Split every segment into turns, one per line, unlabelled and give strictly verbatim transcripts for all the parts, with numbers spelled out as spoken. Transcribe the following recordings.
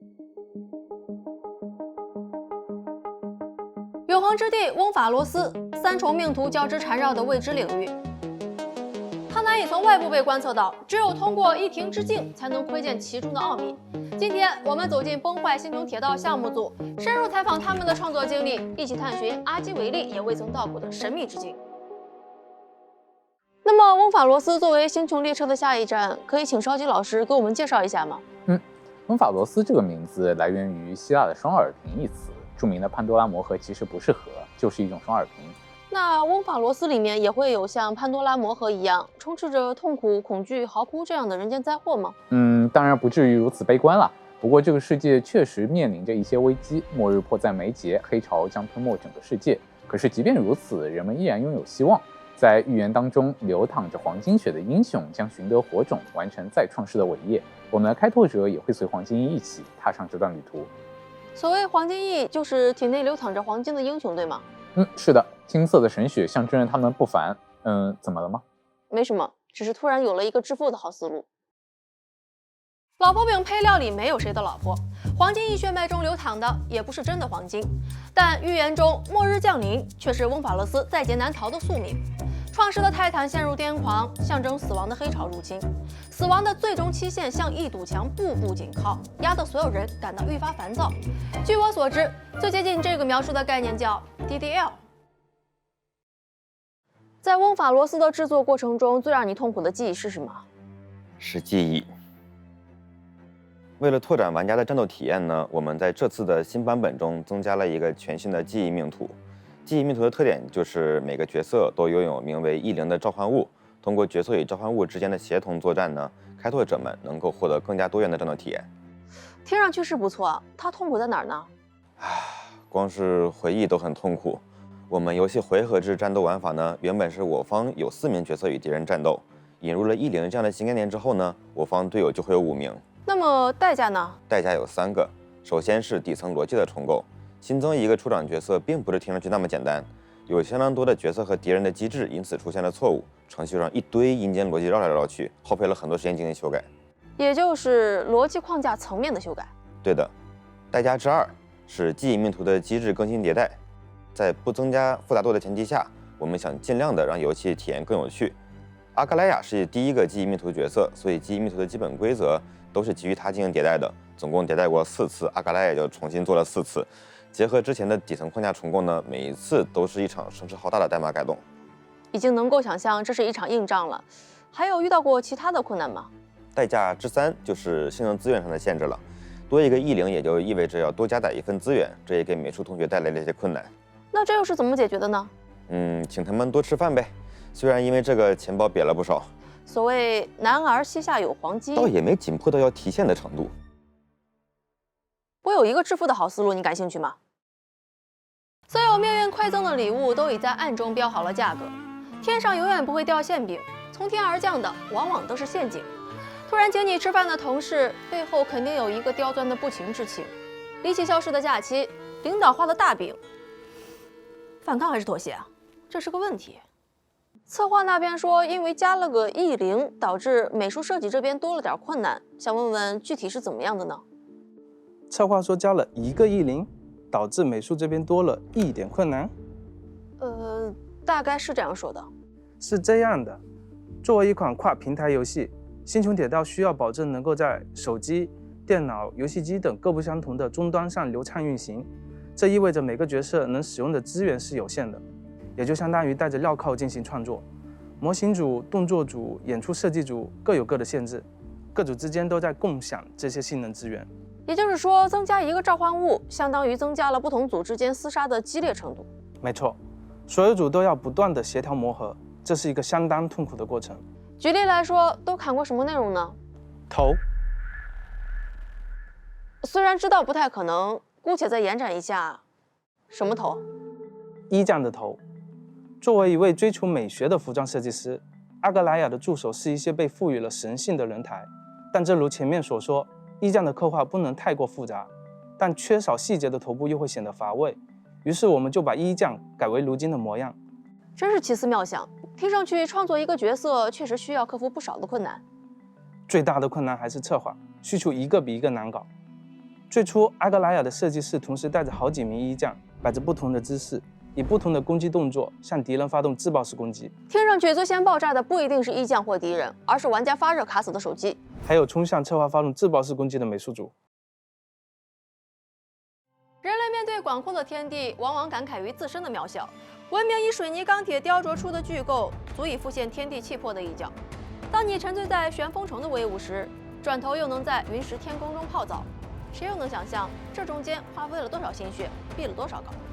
永恒之地翁法罗斯，三重命途交织缠绕的未知领域。它难以从外部被观测到，只有通过一庭之境才能窥见其中的奥秘。今天我们走进崩坏星穹铁道项目组，深入采访他们的创作经历，一起探寻阿基维利也未曾到过的神秘之境。那么，翁法罗斯作为星穹列车的下一站，可以请烧鸡老师给我们介绍一下吗？
嗯，翁法罗斯这个名字来源于希腊的双耳瓶一词，著名的潘多拉魔盒其实不是盒，就是一种双耳瓶。
那翁法罗斯里面也会有像潘多拉魔盒一样，充斥着痛苦、恐惧、嚎哭这样的人间灾祸吗？
嗯，当然不至于如此悲观了。不过这个世界确实面临着一些危机，末日迫在眉睫，黑潮将吞没整个世界。可是即便如此，人们依然拥有希望。在预言当中，流淌着黄金血的英雄将寻得火种，完成再创世的伟业。我们的开拓者也会随黄金翼一起踏上这段旅途。
所谓黄金翼，就是体内流淌着黄金的英雄，对吗？
嗯，是的，金色的神血象征着他们不凡。嗯，怎么了吗？
没什么，只是突然有了一个致富的好思路。老婆饼配料里没有谁的老婆，黄金翼血脉中流淌的也不是真的黄金，但预言中末日降临却是翁法罗斯在劫难逃的宿命。创世的泰坦陷入癫狂，象征死亡的黑潮入侵，死亡的最终期限像一堵墙步步紧靠，压得所有人感到愈发烦躁。据我所知，最接近这个描述的概念叫 D D L。 在翁法罗斯的制作过程中，最让你痛苦的记忆是什么？
是记忆。为了拓展玩家的战斗体验呢，我们在这次的新版本中增加了一个全新的记忆命图。记忆命图的特点就是每个角色都拥有名为异灵的召唤物，通过角色与召唤物之间的协同作战呢，开拓者们能够获得更加多元的战斗体验。
听上去是不错，它痛苦在哪儿呢？
唉，光是回忆都很痛苦。我们游戏回合制战斗玩法呢，原本是我方有四名角色与敌人战斗，引入了异灵这样的新概念之后呢，我方队友就会有五名。
那么代价呢？
代价有三个，首先是底层逻辑的重构。新增一个出场角色并不是听上去那么简单，有相当多的角色和敌人的机制因此出现了错误，程序上一堆阴间逻辑绕来绕去，耗费了很多时间进行修改，
也就是逻辑框架层面的修改。
对的。代价之二是记忆命图的机制更新迭代，在不增加复杂度的前提下，我们想尽量的让游戏体验更有趣。阿格莱亚是第一个记忆命图角色，所以记忆命图的基本规则都是基于它进行迭代的，总共迭代过四次，阿格莱亚就重新做了四次。结合之前的底层框架重构呢，每一次都是一场声势浩大的代码改动，
已经能够想象这是一场硬仗了。还有遇到过其他的困难吗？
代价之三就是性能资源上的限制了，多一个异灵也就意味着要多加载一份资源，这也给美术同学带来了一些困难。
那这又是怎么解决的呢？
嗯，请他们多吃饭呗。虽然因为这个钱包瘪了不少。
所谓男儿膝下有黄金，
倒也没紧迫到要提现的程度。
我有一个致富的好思路，你感兴趣吗？所有命运馈赠的礼物都已在暗中标好了价格，天上永远不会掉馅饼，从天而降的往往都是陷阱。突然请你吃饭的同事背后肯定有一个刁钻的不情之请，离奇消失的假期，领导画的大饼，反抗还是妥协啊？这是个问题。策划那边说，因为加了个异灵，导致美术设计这边多了点困难，想问问具体是怎么样的呢？
策划说加了一个异灵，导致美术这边多了一点困难。
呃，大概是这样说的。
是这样的，作为一款跨平台游戏，《星穹铁道》需要保证能够在手机、电脑、游戏机等各不相同的终端上流畅运行。这意味着每个角色能使用的资源是有限的，也就相当于带着镣铐进行创作。模型组、动作组、演出设计组各有各的限制，各组之间都在共享这些性能资源。
也就是说，增加一个召唤物，相当于增加了不同组之间厮杀的激烈程度。
没错，所有组都要不断的协调磨合，这是一个相当痛苦的过程。
举例来说，都砍过什么内容呢？
头。
虽然知道不太可能，姑且再延展一下，什么头？
衣匠的头。作为一位追求美学的服装设计师，阿格莱亚的助手是一些被赋予了神性的人台，但正如前面所说，衣匠的刻画不能太过复杂，但缺少细节的头部又会显得乏味，于是我们就把衣匠改为如今的模样。
真是奇思妙想，听上去创作一个角色确实需要克服不少的困难。
最大的困难还是策划，需求一个比一个难搞。 最初，阿格莱亚的设计师同时带着好几名衣将，摆着不同的姿势，以不同的攻击动作向敌人发动自爆式攻击。
听上去最先爆炸的不一定是衣将或敌人，而是玩家发热卡死的手机，
还有冲向策划发动自爆式攻击的美术组。
人类面对广阔的天地，往往感慨于自身的渺小。文明以水泥钢铁雕琢出的巨构，足以复现天地气魄的一角。当你沉醉在旋风城的威武时，转头又能在云石天宫中泡澡，谁又能想象这中间花费了多少心血，避了多少岗？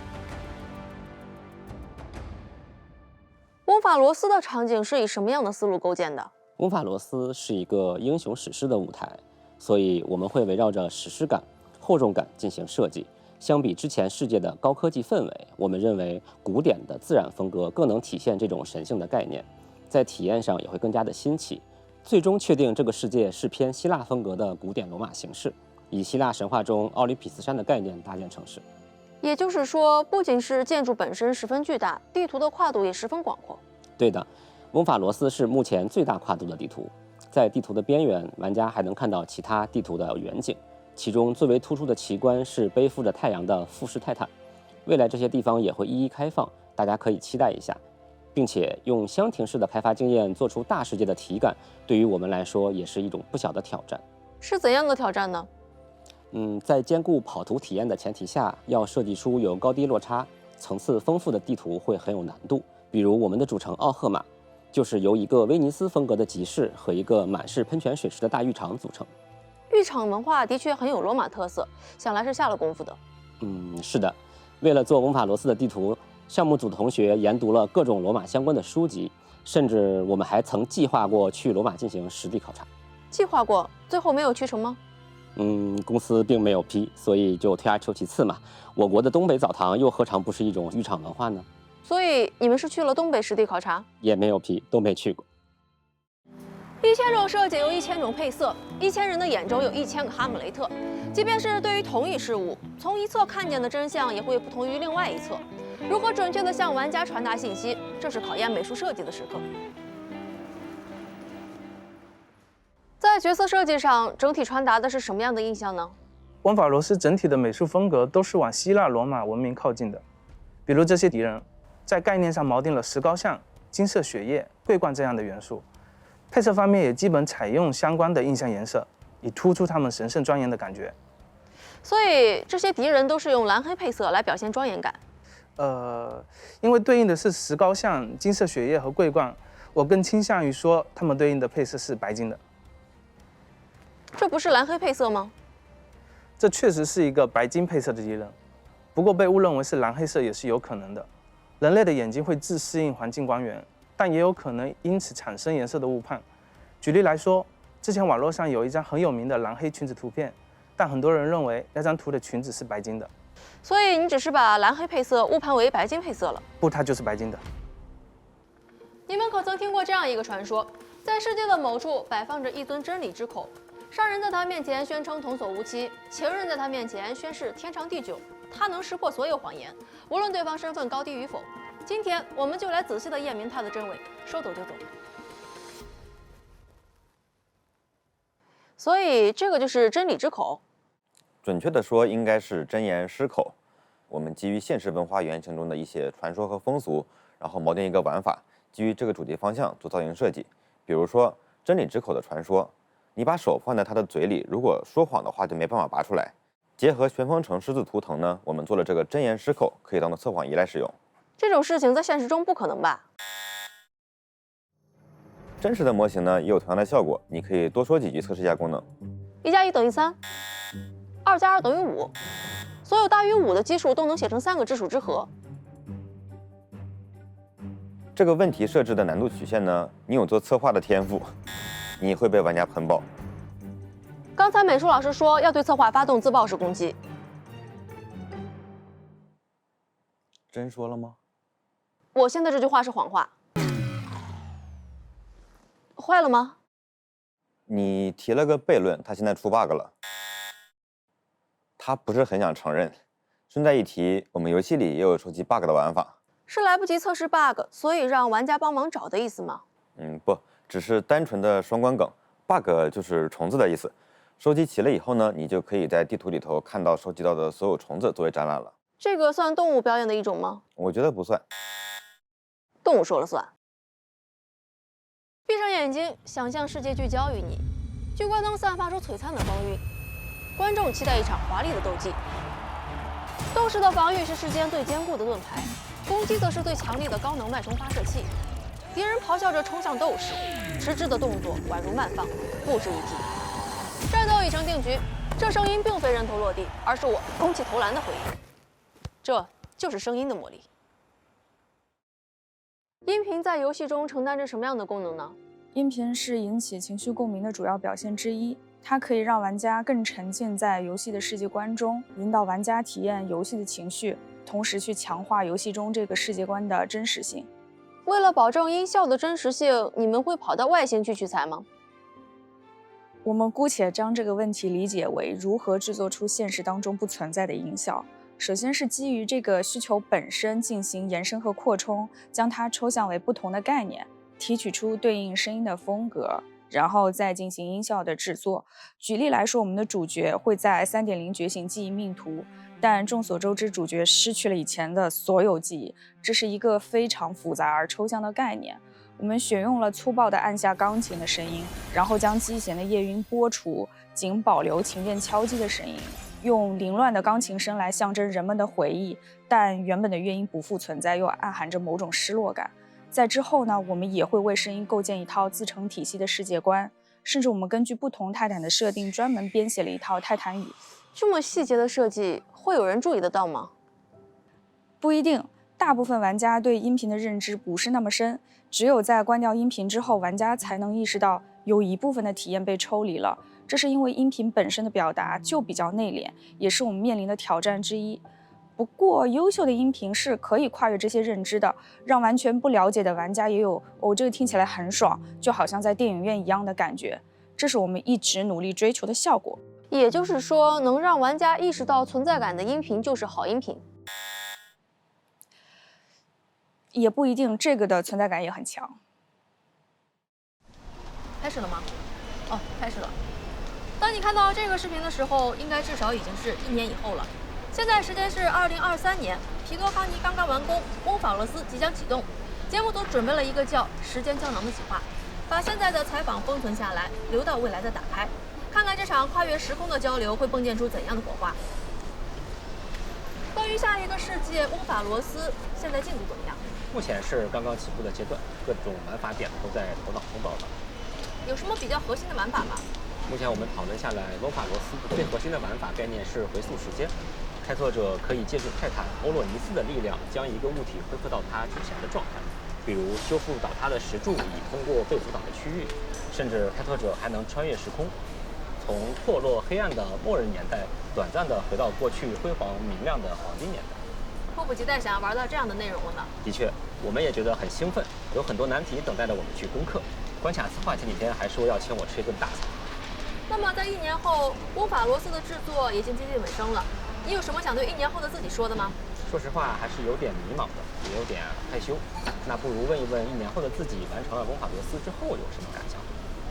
翁法罗斯的场景是以什么样的思路构建的？
翁法罗斯是一个英雄史诗的舞台，所以我们会围绕着史诗感、厚重感进行设计。相比之前世界的高科技氛围，我们认为古典的自然风格更能体现这种神性的概念，在体验上也会更加的新奇。最终确定这个世界是偏希腊风格的古典罗马形式，以希腊神话中奥林匹斯山的概念搭建城市。
也就是说，不仅是建筑本身十分巨大，地图的跨度也十分广阔。
对的，翁法罗斯是目前最大跨度的地图，在地图的边缘，玩家还能看到其他地图的远景，其中最为突出的奇观是背负着太阳的富士泰坦。未来这些地方也会一一开放，大家可以期待一下。并且用箱庭式的开发经验做出大世界的体感，对于我们来说也是一种不小的挑战。
是怎样的挑战呢？
嗯，在兼顾跑图体验的前提下，要设计出有高低落差、层次丰富的地图会很有难度。比如我们的主城奥赫马，就是由一个威尼斯风格的集市和一个满是喷泉水池的大浴场组成。
浴场文化的确很有罗马特色，想来是下了功夫的。
嗯，是的，为了做翁法罗斯的地图，项目组同学研读了各种罗马相关的书籍，甚至我们还曾计划过去罗马进行实地考察。
计划过，最后没有去成吗？
嗯，公司并没有批，所以就退而求其次嘛。我国的东北澡堂又何尝不是一种浴场文化呢？
所以你们是去了东北实地考察？
也没有批，都没去过。
一千种设计有一千种配色，一千人的眼中有一千个哈姆雷特。即便是对于同一事物，从一侧看见的真相也会不同于另外一侧。如何准确地向玩家传达信息，这是考验美术设计的时刻。在角色设计上，整体传达的是什么样的印象呢？
翁法罗斯整体的美术风格都是往希腊罗马文明靠近的，比如这些敌人，在概念上锚定了石膏像、金色血液、桂冠这样的元素。配色方面也基本采用相关的印象颜色，以突出他们神圣庄严的感觉。
所以这些敌人都是用蓝黑配色来表现庄严感。
呃，因为对应的是石膏像、金色血液和桂冠，我更倾向于说他们对应的配色是白金的。
这不是蓝黑配色吗？
这确实是一个白金配色的敌人，不过被误认为是蓝黑色也是有可能的。人类的眼睛会自适应环境光源，但也有可能因此产生颜色的误判。举例来说，之前网络上有一张很有名的蓝黑裙子图片，但很多人认为那张图的裙子是白金的。
所以你只是把蓝黑配色误判为白金配色了？
不，它就是白金的。
你们可曾听过这样一个传说：在世界的某处摆放着一尊真理之口，商人在他面前宣称童叟无欺，情人在他面前宣誓天长地久，他能识破所有谎言，无论对方身份高低与否。今天我们就来仔细地验明它的真伪，说走就走。所以这个就是真理之口。
准确的说，应该是真言狮口。我们基于现实文化原型中的一些传说和风俗，然后锚定一个玩法，基于这个主题方向做造型设计。比如说真理之口的传说，你把手放在他的嘴里，如果说谎的话就没办法拔出来。结合旋风城狮子图腾呢，我们做了这个真言狮口，可以当做测谎仪来使用。
这种事情在现实中不可能吧？
真实的模型呢也有同样的效果，你可以多说几句测试一下功能。
一加一等于三，二加二等于五，所有大于五的基数都能写成三个质数之和。
这个问题设置的难度曲线呢，你有做策划的天赋，你会被玩家喷爆。
刚才美术老师说要对策划发动自爆式攻击，
真说了吗？
我现在这句话是谎话。坏了吗？
你提了个悖论，他现在出 bug 了。他不是很想承认。顺带一提，我们游戏里也有收集 bug 的玩法。
是来不及测试 bug， 所以让玩家帮忙找的意思吗？
嗯，不，只是单纯的双关梗。bug 就是虫子的意思。 收集齐了以后呢，你就可以在地图里头看到收集到的所有虫子作为展览了。
这个算动物表演的一种吗？
我觉得不算。
动物说了算。闭上眼睛，想象世界聚焦于你，聚光灯散发出璀璨的光晕，观众期待一场华丽的斗技。斗士的防御是世间最坚固的盾牌，攻击则是最强力的高能脉冲发射器。敌人咆哮着冲向斗士，迟滞的动作宛如慢放，不值一提。战斗已成定局，这声音并非人头落地，而是我攻气投篮的回应。这就是声音的魔力。音频在游戏中承担着什么样的功能呢？
音频是引起情绪共鸣的主要表现之一，它可以让玩家更沉浸在游戏的世界观中，引导玩家体验游戏的情绪，同时去强化游戏中这个世界观的真实性。
为了保证音效的真实性，你们会跑到外星去取材吗？
我们姑且将这个问题理解为如何制作出现实当中不存在的音效。首先是基于这个需求本身进行延伸和扩充，将它抽象为不同的概念，提取出对应声音的风格，然后再进行音效的制作。举例来说，我们的主角会在 三点零 觉醒记忆命途，但众所周知，主角失去了以前的所有记忆，这是一个非常复杂而抽象的概念。我们选用了粗暴的按下钢琴的声音，然后将机弦的夜晕拨除，仅保留琴键敲击的声音，用凌乱的钢琴声来象征人们的回忆，但原本的乐音不复存在，又暗含着某种失落感。在之后呢，我们也会为声音构建一套自成体系的世界观，甚至我们根据不同泰坦的设定，专门编写了一套泰坦语。
这么细节的设计，会有人注意得到吗？
不一定，大部分玩家对音频的认知不是那么深，只有在关掉音频之后，玩家才能意识到有一部分的体验被抽离了。这是因为音频本身的表达就比较内敛，也是我们面临的挑战之一。不过，优秀的音频是可以跨越这些认知的，让完全不了解的玩家也有哦，这个听起来很爽，就好像在电影院一样的感觉。这是我们一直努力追求的效果。
也就是说，能让玩家意识到存在感的音频就是好音频。
也不一定，这个的存在感也很强。
开始了吗？哦，开始了。当你看到这个视频的时候，应该至少已经是一年以后了。现在时间是二零二三年，皮多哈尼刚刚完工，翁法罗斯即将启动。节目组准备了一个叫《时间胶囊》的企划，把现在的采访封存下来，留到未来再打开，看看这场跨越时空的交流会迸溅出怎样的火花。关于下一个世界，翁法罗斯现在进度怎么样？
目前是刚刚起步的阶段，各种玩法点都在头脑风暴上。
有什么比较核心的玩法吗？
目前我们讨论下来，翁法罗斯最核心的玩法概念是回溯时间。开拓者可以借助泰坦欧洛尼斯的力量，将一个物体恢复到它之前的状态，比如修复倒塌的石柱，以通过被阻挡的区域。甚至开拓者还能穿越时空，从破落黑暗的末日年代，短暂的回到过去辉煌明亮的黄金年代。
迫不及待想要玩到这样的内容了呢。
的确，我们也觉得很兴奋，有很多难题等待着我们去攻克。关卡策划前几天还说要请我吃一顿大餐。
那么在一年后，翁法罗斯的制作已经接近尾声了。你有什么想对一年后的自己说的吗？
说实话，还是有点迷茫的，也有点害羞。那不如问一问一年后的自己，完成了翁法罗斯之后有什么感想？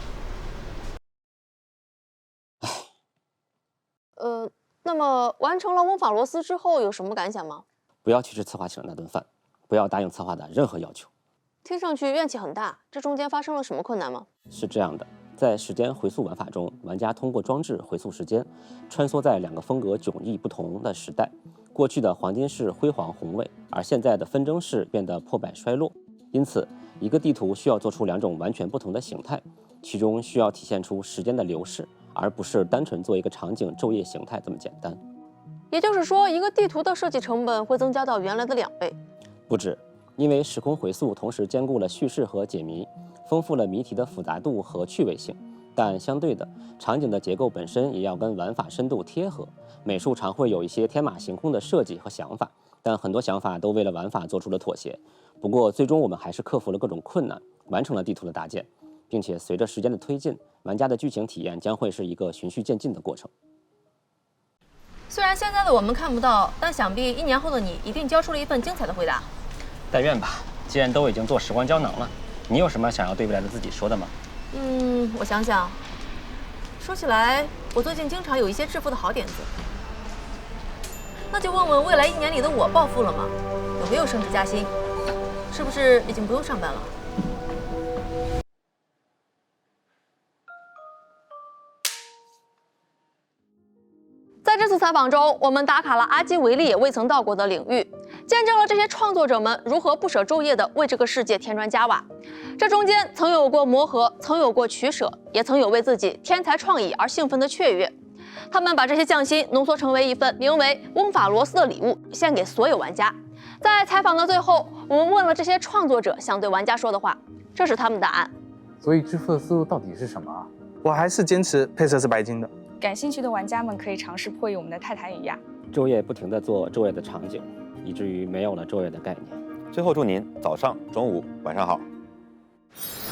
呃，那么完成了翁法罗斯之后有什么感想吗？
不要去吃策划请的那顿饭，不要答应策划的任何要求。
听上去怨气很大，这中间发生了什么困难吗？
是这样的，在时间回溯玩法中，玩家通过装置回溯时间，穿梭在两个风格迥异不同的时代。过去的黄金式辉煌宏伟，而现在的纷争式变得破败衰落。因此，一个地图需要做出两种完全不同的形态，其中需要体现出时间的流逝，而不是单纯做一个场景昼夜形态这么简单。
也就是说，一个地图的设计成本会增加到原来的两倍。
不止，因为时空回溯同时兼顾了叙事和解谜，丰富了谜题的复杂度和趣味性。但相对的，场景的结构本身也要跟玩法深度贴合。美术常会有一些天马行空的设计和想法，但很多想法都为了玩法做出了妥协。不过，最终我们还是克服了各种困难，完成了地图的搭建，并且随着时间的推进，玩家的剧情体验将会是一个循序渐进的过程。
虽然现在的我们看不到，但想必一年后的你一定交出了一份精彩的回答。
但愿吧，既然都已经做时光胶囊了，你有什么想要对未来的自己说的吗？
嗯，我想想， 说起来，我最近经常有一些致富的好点子，那就问问未来一年里的我暴富了吗？有没有升职加薪？是不是已经不用上班了？在这次采访中，我们打卡了阿基维利也未曾到过的领域，见证了这些创作者们如何不舍昼夜地为这个世界添砖加瓦。这中间曾有过磨合，曾有过取舍，也曾有为自己天才创意而兴奋的雀跃。他们把这些匠心浓缩成为一份名为《翁法罗斯》的礼物，献给所有玩家。在采访的最后，我们问了这些创作者想对玩家说的话，这是他们的答案。
所以致富的思路到底是什么啊？
我还是坚持配色是白金的。
感兴趣的玩家们可以尝试破译我们的泰坦与亚，
昼夜不停地做昼夜的场景，以至于没有了昼夜的概念。
最后祝您早上、中午、晚上好。